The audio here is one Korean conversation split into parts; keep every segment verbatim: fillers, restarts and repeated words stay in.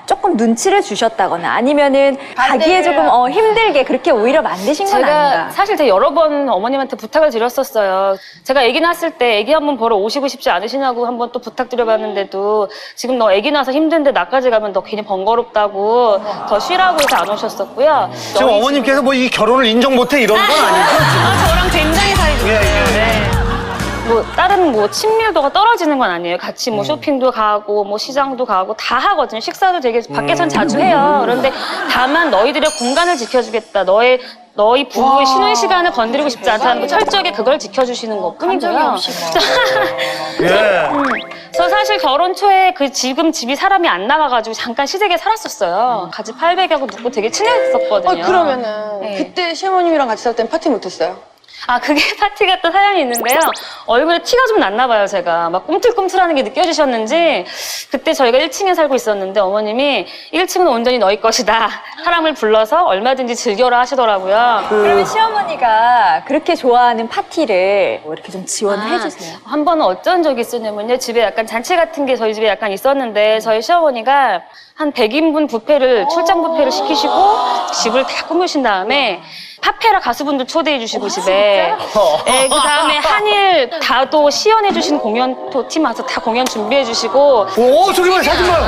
조금 눈치를 주셨다거나 아니면은 가기에 조금 어, 힘들게 그렇게 오히려 만드신 건 제가 아닌가? 사실 제가 여러 번 어머님한테 부탁을 드렸었어요. 제가 아기 낳았을 때 아기 한번 보러 오시고 싶지 않으시냐고 한번 또 부탁드려봤는데도 지금 너 아기 낳아서 힘든데 나까지 가면 너 괜히 번거롭다고 더 쉬라고 해서 안 오셨었고요. 지금 어머님께서 뭐 이 결혼을 인정 못해 이런 건 아니죠? 아, 저랑 굉장히 사이 좋아요. 예, 예. 네. 뭐 다른 뭐 친밀도가 떨어지는 건 아니에요. 같이 뭐 쇼핑도 가고 뭐 시장도 가고 다 하거든요. 식사도 되게 밖에선 자주 해요. 그런데 다만 너희들의 공간을 지켜주겠다. 너의 너희 부부의 쉬는 시간을 건드리고 싶지 않다는 거 철저하게 그걸 지켜주시는 것뿐이고요. 예. 음, 저 사실 결혼 초에 그 지금 집이 사람이 안 나가가지고 잠깐 시댁에 살았었어요. 같이 팔백하고 눕고 되게 친했었거든요. 어, 그러면은 네. 그때 시어머님이랑 같이 살 땐 파티 못했어요? 아, 그게 파티 같은 사연이 있는데요. 얼굴에 티가 좀 났나 봐요, 제가. 막 꿈틀꿈틀하는 게 느껴지셨는지 그때 저희가 일 층에 살고 있었는데 어머님이 일 층은 온전히 너희 것이다. 사람을 불러서 얼마든지 즐겨라 하시더라고요. 그러면 시어머니가 그렇게 좋아하는 파티를 뭐 이렇게 좀 지원을 아, 해주세요. 한 번은 어쩐 적이 있었냐면요. 집에 약간 잔치 같은 게 저희 집에 약간 있었는데 저희 시어머니가 한 백 인분 뷔페를 출장 뷔페를 시키시고 집을 다 꾸미신 다음에 파페라 가수분들 초대해 주시고 집에 네, 그 다음에 한일 다도 시연해 주신 공연 또 팀 와서 다 공연 준비해 주시고 오, 저기 봐요, 사진 봐요.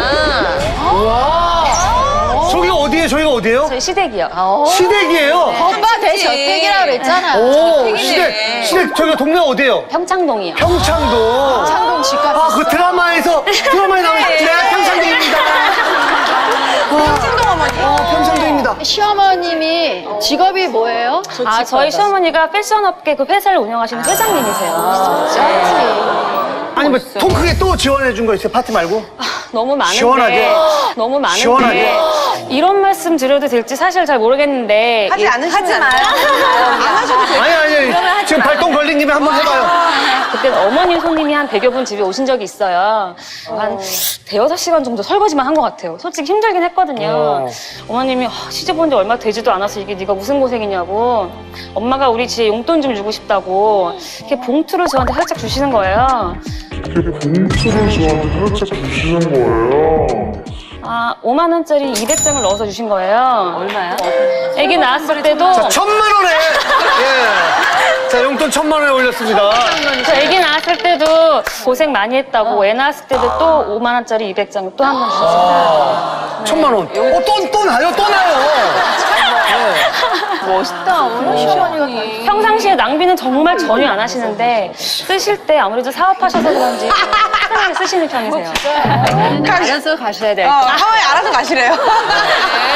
와. 저기가 어디예요? 저희가 어디예요? 저희 시댁이요. 시댁이에요. 오빠 대저택이라고 그랬잖아요. 오, 시댁, 시댁, 저희가 동네 어디예요? 평창동이요. 평창동. 창동 집값. 아, 그 드라마에서, 드라마에 나오는 네, 평창동입니다. 창동 어머니. 어, 평창동입니다. 시어머님이 직업이 뭐예요? 아, 저희 시어머니가 패션업계 그 회사를 운영하시는 회장님이세요. 네. 아니, 뭐, 통 크게 또 지원해 준 거 있어요? 파티 말고? 너무 많은데 시원하게. 너무 많은데 시원하게. 이런 말씀 드려도 될지 사실 잘 모르겠는데 하지 이- 않으시면 하지 마요. 안 하셔도 돼요. 아니, 아니, 지금 발동 걸린 김에 한번 해봐요. 그때 어머님 손님이 한 백여 분 집에 오신 적이 있어요. 한 대여섯 시간 정도 설거지만 한 것 같아요. 솔직히 힘들긴 했거든요. 어. 어머님이 시집 온 지 얼마 되지도 않아서 이게 네가 무슨 고생이냐고 엄마가 우리 집에 용돈 좀 주고 싶다고 이렇게 봉투를 저한테 살짝 주시는 거예요. 이렇게 봉투를 저한테 살짝 주시는 거예요. 아, 오만 원짜리 이백 장을 넣어서 주신 거예요. 얼마야? 아기 낳았을 때도 자, 천만 원에. 예. 자, 용돈 천만 원에 올렸습니다. 저 아기 낳았을 때도 고생 많이 했다고 애 낳았을 때도 또 오만 원짜리 이백 장 또 한 번 주셨습니다. 천만 원. 어, 또, 또 나요, 또 나요. 멋있다. 어머니 시어머니가. 평상시에 낭비는 정말 전혀 안 하시는데 쓰실 때 아무래도 사업하셔서 그런지 편하게 쓰시는 편이세요. 알아서 가셔야 될 어, 거. 하와이 알아서 가시래요.